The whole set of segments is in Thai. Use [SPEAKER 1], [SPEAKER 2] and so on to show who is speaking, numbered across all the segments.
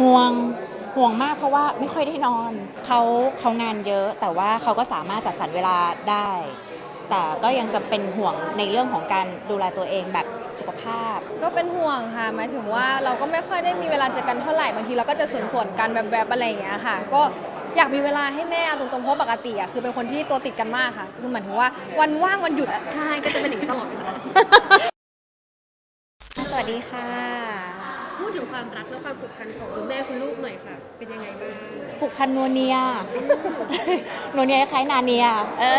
[SPEAKER 1] ห่วงห่วงมากเพราะว่าไม่ค่อยได้นอนเขางานเยอะแต่ว่าเขาก็สามารถจัดสรรเวลาได้ แต่ก็ยังจะเป็นห่วงในเรื่องของการดูแลตัวเองแบบสุขภาพ
[SPEAKER 2] ก็เป็นห่วงค่ะหมายถึงว่าเราก็ไม่ค่อยได้มีเวลาเจอกันเท่าไหร่บางทีเราก็จะส่วนกันแบบอะไรอย่างเงี้ยค่ะก็อยากมีเวลาให้แม่ตรงๆเพราะปกติอ่ะคือเป็นคนที่ตัวติดกันมากค่ะคือหมายถึงว่าวันว่างวันหยุดอ่ะใช่ก็จะเป็นอย่างนี้ตลอดเวลา
[SPEAKER 1] สวัสดีค่ะ
[SPEAKER 3] พูดถึงความรักและความผูกพันของคุณแม่คุณลูกหน่อยค่ะ เป็นยังไงบ้าง
[SPEAKER 1] ผูกพันนัวเนียนัวเนียคล้ายนาเนีย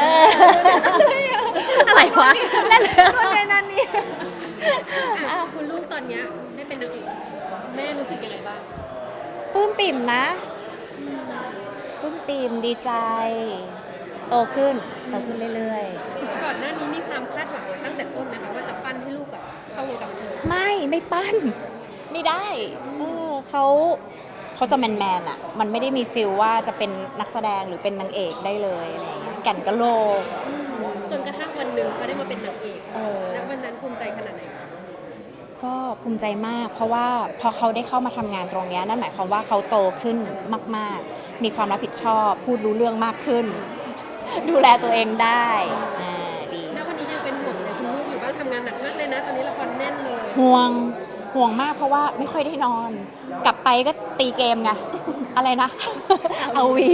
[SPEAKER 1] อะไรวะเล่นนัวเนียนาเนีย
[SPEAKER 3] คุณลูกตอนนี้ได้เป็นนางเอกแม่รู้สึกยังไงบ้าง
[SPEAKER 1] ปลื้มปิ่มนะปลื้มปิ่มดีใจโตขึ้นเรื่อย
[SPEAKER 3] ๆก่อนหน้านี้มีความคาดหวังตั้งแต่ต้นไหมคะว่าจะปั้นให้ลูกแบบเข้าวงการบันเทิง
[SPEAKER 1] ไม่ปั้นไม่ได้เขาจะแมนอ่ะมันไม่ได้มีฟิลว่าจะเป็นนักแสดงหรือเป็นนางเอกได้เลยอะไรอย่างเงี้ยแก่นกะโหลก
[SPEAKER 3] จนกระทั่งวันหนึ่งเขาได้มาเป็นนางเอกแล้ววันนั้นภูมิใจขนาดไหน
[SPEAKER 1] ก็ภูมิใจมากเพราะว่าพอเขาได้เข้ามาทำงานตรงนี้นั่นหมายความว่าเขาโตขึ้นมากๆมีความรับผิดชอบพูดรู้เรื่องมากขึ้นดูแลตัวเองได้ดี
[SPEAKER 3] แล้ววันนี้ยังเป็นห่วงเลยคุณลูกอยู่บ้านทำงานหนักมากเลยนะตอนนี้ละครแน่นเลย
[SPEAKER 1] ห่วงมากเพราะว่าไม่ค่อยได้นอนกลับไปก็ตีเกมไงอะไรนะเอาวี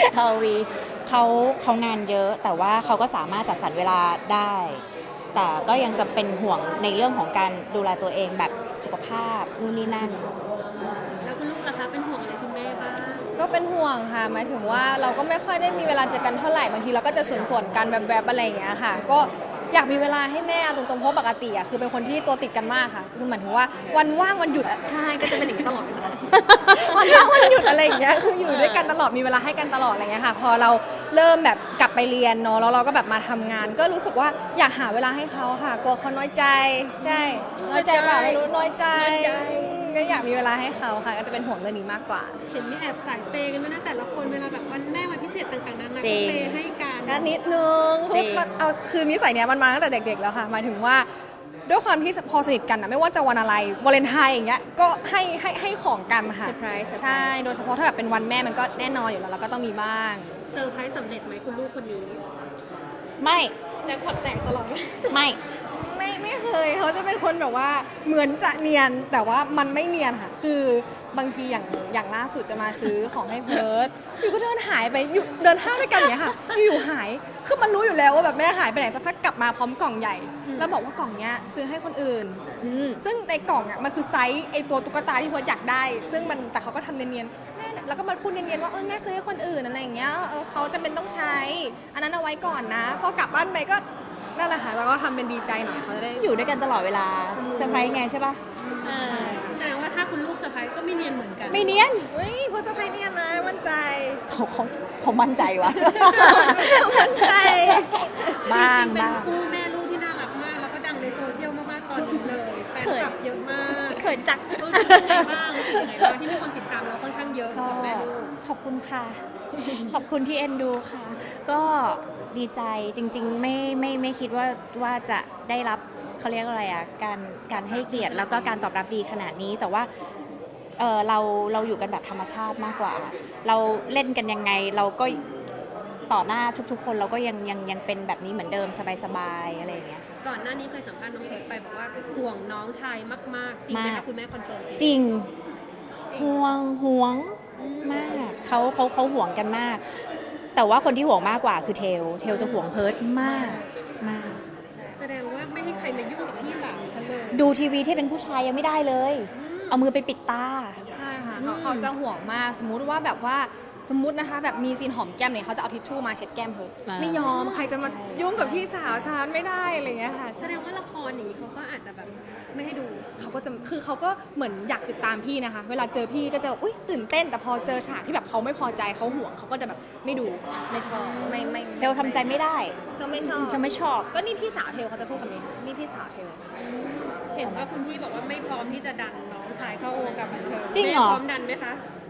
[SPEAKER 1] เขางานเยอะแต่ว่าเขาก็สามารถจัดสรรเวลาได้ แต่ก็ยังจะเป็นห่วงในเรื่องของการดูแลตัวเองแบบสุขภาพนู่นนี่นั่น
[SPEAKER 3] แล้วคุณลูกล่ะคะเป็นห่วงอะไรคุณแม่บ้าง
[SPEAKER 2] ก็เป็นห่วงค่ะหมายถึงว่าเราก็ไม่ค่อยได้มีเวลาเจอกันเท่าไหร่บางทีเราก็จะส่วนกันแบบอะไรอย่างเงี้ยค่ะก็อยากมีเวลาให้แม่ตรงๆเพราะปกติอ่ะคือเป็นคนที่ตัวติดกันมากค่ะคือหมายถึงว่าวันว่างวันหยุดอ่ะใช่ก็จะเป็นอย่างนี้ตลอดเวลาวันว่างวันหยุดอะไรอย่างเงี้ยคืออยู่ด้วยกันตลอดมีเวลาให้กันตลอดอะไรเงี้ยค่ะพอเราเริ่มแบบกลับไปเรียนเนาะแล้วเราก็แบบมาทำงาน ก็รู้สึกว่าอยากหาเวลาให้เขาค่ะกลัวเขาน้อยใจใช่น้อยใจเปล่าไม่รู้น้อยใจก็อยากมีเวลาให้เขาค่ะก็จะเป็นห่วงเรื่องนี้มากกว่า
[SPEAKER 3] เห็นมีแอบสายเปย์กันด้วยนะแต่ละคนเวลาแบบวันแม่วันพิเศษต่างๆนั้นนะก็เปย์ให้กัน
[SPEAKER 2] นิดนึงคือนิสัยเนี้ยมันมาตั้งแต่เด็กๆแล้วค่ะหมายถึงว่าด้วยความที่พอสนิทกันนะไม่ว่าจะวันอะไรวาเลนไทน์อย่างเงี้ยก็ให้ของกันค่ะใช่โดยเฉพาะถ้าแบบเป็นวันแม่มันก็แน่นอนอยู่แล้วเราก็ต้องมีบ้าง
[SPEAKER 3] เซอร์ไพรส์สำเร็จไหมคุณลูกคนนี้
[SPEAKER 1] ไม่
[SPEAKER 3] แต่ขอดแตกตลอด
[SPEAKER 2] ไม่เคยเขาจะเป็นคนแบบว่าเหมือนจะเนียนแต่ว่ามันไม่เนียนค่ะคือบางทีอย่างล่าสุดจะมาซื้อของให้เพิร์ดอยู่ก็เดินหายไปอยู่เดินห้างด้วยกันอย่างเงี้ยค่ะอยู่หายคือมันรู้อยู่แล้วว่าแบบแม่หายไปไหนสักพักกลับมาพร้อมกล่องใหญ่แล้วบอกว่ากล่องเนี้ยซื้อให้คนอื่นซึ่งในกล่องอ่ะมันคือไซส์ไอตัวตุ๊กตาที่เพิร์ดอยากได้ซึ่งมันแต่เขาก็ทำเนียนๆแม่แล้วก็มาพูดเนียนๆว่าแม่ซื้อให้คนอื่นอะไรอย่างเงี้ยเขาจะเป็นต้องใช้อันนั้นเอาไว้ก่อนนะพอกลับบ้านไปก็นั่นแหละค่ะแล้วก็ทำเป็นดีใจหน่อยเขาจะได้
[SPEAKER 1] อยู่ด้วยกันตลอดเวลาเซอร์ไพรส์ไงใช่ปะ
[SPEAKER 3] ใช่แสดงว่าถ้าคุณลูกเซอร์ไพรส์ก็ไม่เนียนเหมือนกัน
[SPEAKER 1] ไม่เนียน
[SPEAKER 2] คุณเซอร์ไพรส์เนียนนะมั่นใจ
[SPEAKER 1] เขามั่นใจวะ
[SPEAKER 2] มั่นใจ
[SPEAKER 1] บ้าง
[SPEAKER 3] เป็นคู่แม่ลูกที่น่ารักมากแล้วก็ดังในโซเชียลมากๆตอนนี้เลยแฟนคลับเยอะมาก
[SPEAKER 1] เขินจัก
[SPEAKER 3] รู้สึกยังไงบ้างที่มีคนติดตามเราค่อนข้างเยอะกับแม่ลูก
[SPEAKER 1] ขอบคุณค่ะขอบคุณที่เอ็นดูค่ะก็ดีใจจริงๆไม่คิดว่าจะได้รับเขาเรียกอะไรอ่ะการให้เกียรติแล้วก็การตอบรับดีขนาดนี้แต่ว่าเราอยู่กันแบบธรรมชาติมากกว่าเราเล่นกันยังไงเราก็ต่อหน้าทุกๆคนเราก็ยังเป็นแบบนี้เหมือนเดิมสบายๆอะไรอย่างเงี้ย
[SPEAKER 3] ก่อนหน้านี้เคยสัมภาษณ์น้องเพิร์ทไปบอกว่าห่วงน้องชายมากๆจริงไหมคะคุณแม่คอนเฟิร์ม
[SPEAKER 1] จริงห่วงมากเขาห่วงกันมากแต่ว่าคนที่ห่วงมากกว่าคือเทลจะห่วงเพิร์ทมาก
[SPEAKER 3] แสดงว่าไม่ให้ใครมายุ่งกับพี่สาวฉันเลย
[SPEAKER 1] ดูทีวีที่เป็นผู้ชายยังไม่ได้เลยเอามือไปปิดตา
[SPEAKER 2] ใช่ค่ะเขาจะห่วงมากสมมุติว่าแบบว่าสมมตินะคะแบบมีซีนหอมแก้มเนี่ยเขาจะเอาทิชชู่มาเช็ดแก้มเพิร์ทไม่ยอมใครจะมายุ่งกับพี่สาวฉันไม่ได้อะไรเงี้ยค่ะ
[SPEAKER 3] แสดงว่าละครอย่างนี้เขาก็อาจจะแบบไม่ให้ดู
[SPEAKER 2] เขาก็จะคือเขาก็เหมือนอยากติดตามพี่นะคะเวลาเจอพี่ก็จะอุ๊ยตื่นเต้นแต่พอเจอฉากที่แบบเขาไม่พอใจเขาห่วงเขาก็จะแบบไม่ดูไม่ชอบไม่
[SPEAKER 1] เทลทำใจไม่ได้
[SPEAKER 2] เธอไม่ชอบก็นี่พี่สาวเทลเขาจะพูดคำนี้นี่พี่สาวเทล
[SPEAKER 3] เห็นว่าคุณพี่บอกว่าไม่พร้อมที่จะดันน้องชายเข้าวงการบันเทิง
[SPEAKER 1] จริงเหรอ
[SPEAKER 3] พร้อมดันไหมคะ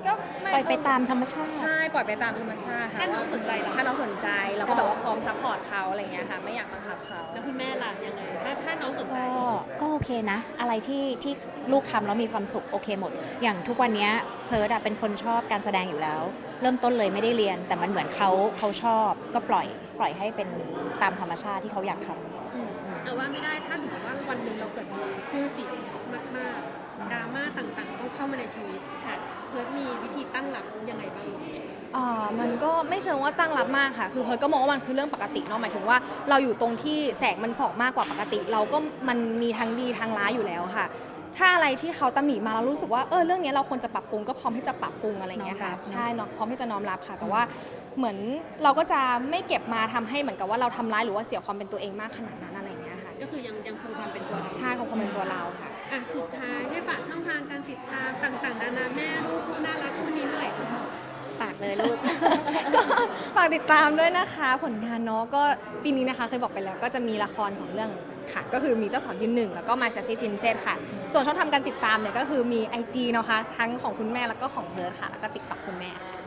[SPEAKER 2] ก็
[SPEAKER 1] ปล่อยไปตามธรรมชาติ
[SPEAKER 2] ใช่ปล่อยไปตามธรรมชาติค่ะ
[SPEAKER 3] ถ้าน้องสนใจเหรอ
[SPEAKER 2] ถ้าน้องสนใจเราก็แบบว่าพร้อมซัพพอร์ตเขาอะไรเงี้ยค่ะไม่อยากบังคับเขา
[SPEAKER 3] แล้วคุณแม่ล่ะยังไงถ้าน้องสนใจ
[SPEAKER 1] ก็โอเคนะ อะไรที่ลูกทำแล้วมีความสุขโอเคหมด อย่างทุกวันเนี้ยเพิร์ดอะเป็นคนชอบการแสดงอยู่แล้ว เริ่มต้นเลยไม่ได้เรียน แต่มันเหมือนเขาชอบก็ปล่อยให้เป็นตามธรรมชาติที่เขาอยากทำ
[SPEAKER 3] แต่ว่าไม่ได้ถ้าสมมติว่าวันหนึ่งเราเกิดมีชื่อเสียงมากๆดราม่าต่างๆ ต้องเข้ามาในชีวิต
[SPEAKER 2] ค่ะ
[SPEAKER 3] เพิร์ดมีวิธีตั้งหลักยังไงบ้าง
[SPEAKER 2] มันก็ไม่เชิงว่าตั้งรับมากค่ะ คือเพิร์ทก็มองว่ามันคือเรื่องปกติเนาะหมายถึงว่าเราอยู่ตรงที่แสงมันส่องมากกว่าปกติ เราก็มันมีทั้งดีทั้งร้ายอยู่แล้วค่ะ ถ้าอะไรที่เขาตำหนิมาเรารู้สึกว่าเรื่องนี้เราควรจะปรับปรุงก็พร้อมที่จะปรับปรุงอะไรอย่างเงี้ยค่ะ
[SPEAKER 1] น้อมรับ
[SPEAKER 2] ใช่เนาะพร้อมที่จะน้อมรับค่ะ แต่ว่าเหมือนเราก็จะไม่เก็บมาทำให้เหมือนกับว่าเราทำร้ายหรือว่าเสียความเป็นตัวเองมากขนาดนั้นอะไรอย่างเงี้ยค่ะ
[SPEAKER 3] ก็คือยังคงความเป็นตัวเรา
[SPEAKER 2] ใช่ของความเป็นตัวเราค่ะ
[SPEAKER 3] อ่ะสุดท้ายให้ฝากช่องทางการติดตามต่างๆนานาแม่ลูกคู่น่ารักคู่นี้หน่อย
[SPEAKER 1] ฝากเลยลูก
[SPEAKER 2] ก็ฝากติดตามด้วยนะคะผลงานเนาะก็ปีนี้นะคะเคยบอกไปแล้วก็จะมีละคร2เรื่องค่ะก็คือมีเจ้าสาวยืนหนึ่งแล้วก็มาแซซี่พรินเซสค่ะส่วนช่องทางการติดตามเนี่ยก็คือมี IG เนาะค่ะทั้งของคุณแม่แล้วก็ของเพิร์ทค่ะแล้วก็ TikTok คุณแม่ค่ะ